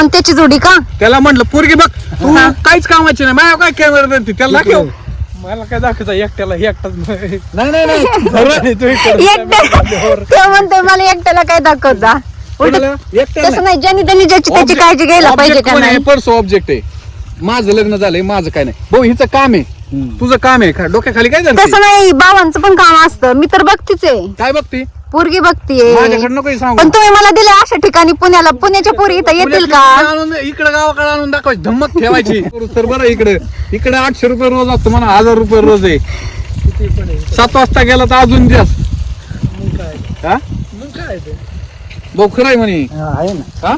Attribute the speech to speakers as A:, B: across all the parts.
A: पण त्याची जोडी का?
B: त्याला म्हटलं पोरगी बघ तू काहीच कामाची नाही माझ्या काय कॅमेरा देते त्याला दाखव.
C: मला काय दाखवायचं एकट्याला एकटाच
B: नाही
A: ते म्हणतोय मला एकट्याला काय दाखवता. तसं नाही, ज्यांनी त्यांनी ज्याची त्याची काळजी घ्यायला पाहिजे का नाही.
B: पर्सो ऑब्जेक्ट आहे. माझं लग्न झालंय माझं काय नाही भाऊ हिचं काम आहे तुझं काम आहे डोक्याखाली काय झालं
A: तसं नाही, बाबांचं पण काम असतं. मी तर बघतीच आहे,
B: काय बघते
A: पोरगी बघतीये.
B: माझ्याकडनं काही सांगू
A: पण तुम्ही मला दिले अशा ठिकाणी पुण्याला, पुण्याच्या पोरी इथं येतील का?
B: इकडे गावाकडे आणून दाखवायची धम्मत ठेवायची तर बरं. इकडे 800 रुपये रोज असतो म्हणा 1000 रुपये रोज आहे. 7 वाजता गेला तर अजून जास्त. हा भाऊ खरं आहे म्हणे. हा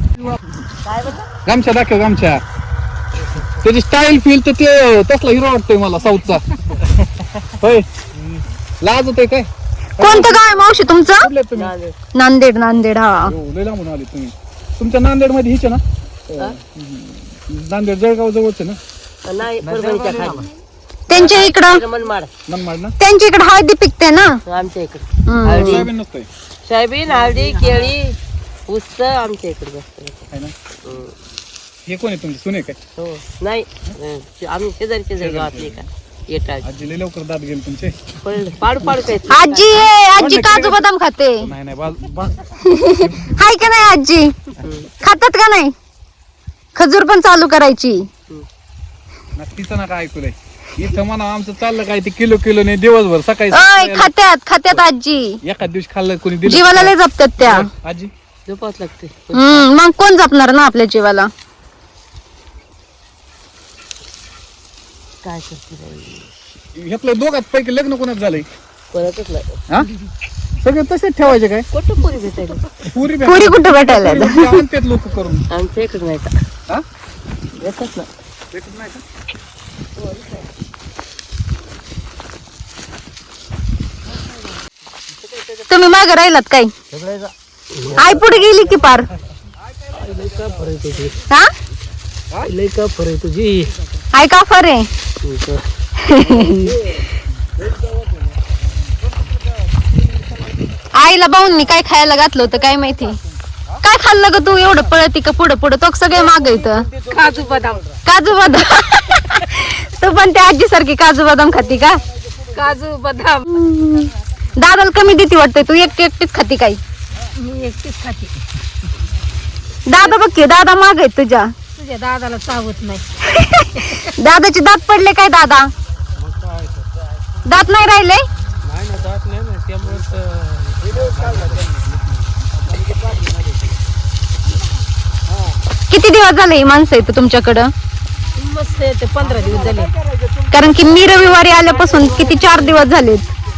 B: गामछा दाखव गामछा. त्याची स्टाईल फील तर ते तसला हिरो वाटतोय मला साऊथचा. होय लाज होतोय काय.
A: कोणतं गाव आहे मावशी तुमचं?
B: कुठले तुम्ही?
A: नांदेड. नांदेड हा.
B: हो, लय लांबून आले तुम्ही. तुमच्या नांदेड मध्ये हिचे ना नांदेड जळगाव जवळच ना.
A: त्यांच्या इकडं
D: मनमाड
B: मनमाड ना.
A: त्यांच्या इकडे हळदी पिकते ना.
D: आमच्या इकडे
B: सोयाबीन नसतंय
D: सोयाबीन हळदी केळी ऊस आमच्या इकडे जास्त
B: है ना. हे कोण आहे तुमचे सुने काय?
D: हो नाही आम्ही शेजारी गावातली का येतात
B: आजी लय लवकर दात गेले तुमचे.
D: पाडू पाडू काय
A: आजी आहे, आजी काजू बदाम खाते.
B: नाही
A: हाय का नाही आजी? खातात का नाही? खजूर पण चालू करायची.
B: तिचं ना काय ऐकलंय इथं म्हणा आमचं चाललं काय ते किलो नाही दिवसभर सकाळी
A: ओय खात्यात आजी.
B: एखाद दिवशी खाल्लं कोणी दिलं
A: जीवाला लय जपतात त्या.
B: आजी
D: झोपावच लागते.
A: मग कोण जपणार ना आपल्या जीवाला.
D: काय करते
B: ह्यातलं दोघात पैकी लग्न कोणाच झालंय?
D: परतच नाही
B: हा सगळे तसेच ठेवायचे काय?
D: कुठं पुरी भेटायला
B: पुरी
A: पुरी कुठं भेटायला
B: आणतात लोक करून.
D: आमच्या इकडे नाही का
B: हा
D: येतच ना
B: भेटत नाही का?
A: तुम्ही मागे राहिलात काय? आई पुढे गेली की पार. हा
D: लय का फरक तुझी
A: आई का फर आहे. आईला भाऊंनी काय खायला घातलं होतं काय माहिती. काय खाल्लं ग तू एवढं पळती का पुढं तो सगळे माग इथं.
D: काजू बदाम
A: तू पण त्या आजी सारखी काजू बदाम खाती का?
D: काजू बदाम
A: दादाला कमी देती वाटतंय तू एकटीच खाती काय?
D: मी एकटीच खाते.
A: दादा बघ की दादा माग आहेत तुझ्या
D: दादाला चावत नाही.
A: दादाचे दात पडले काय? दादा दात नाही राहिले. किती दिवस झाले ही माणसं आहेत तुमच्याकडं?
D: मस्त येते 15 दिवस झाले.
A: कारण की मी रविवारी आल्यापासून किती 4 दिवस झालेत.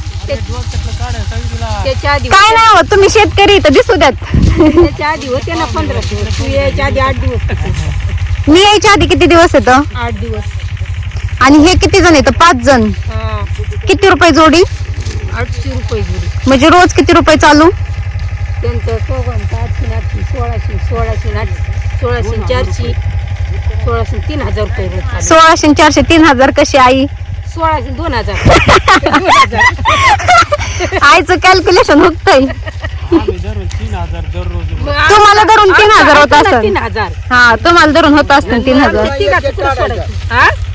D: त्याच्या आधी
A: काय नाही होत, तुम्ही शेतकरी तर दिसू द्यात.
D: त्याच्या आधी होते ना 15 दिवस. तू यायच्या आधी 8 दिवस.
A: मी यायच्या आधी किती दिवस येतं?
D: 8 दिवस.
A: आणि हे किती जण येतं? 5 जण. किती रुपये जोडी?
D: 800 रुपये जोडी.
A: म्हणजे रोज किती रुपये चालू?
D: त्यांचं 800 1600 1600 400 1600 3000 रुपये रोज चालू.
A: 1600 400 3000 कशी आई?
D: 1600 2000.
A: आईचं कॅल्क्युलेशन होतंय. तुम्हाला धरून 3000 होत असं.
D: 3000.
A: हा तुम्हाला धरून होत असतं 3000.
D: हा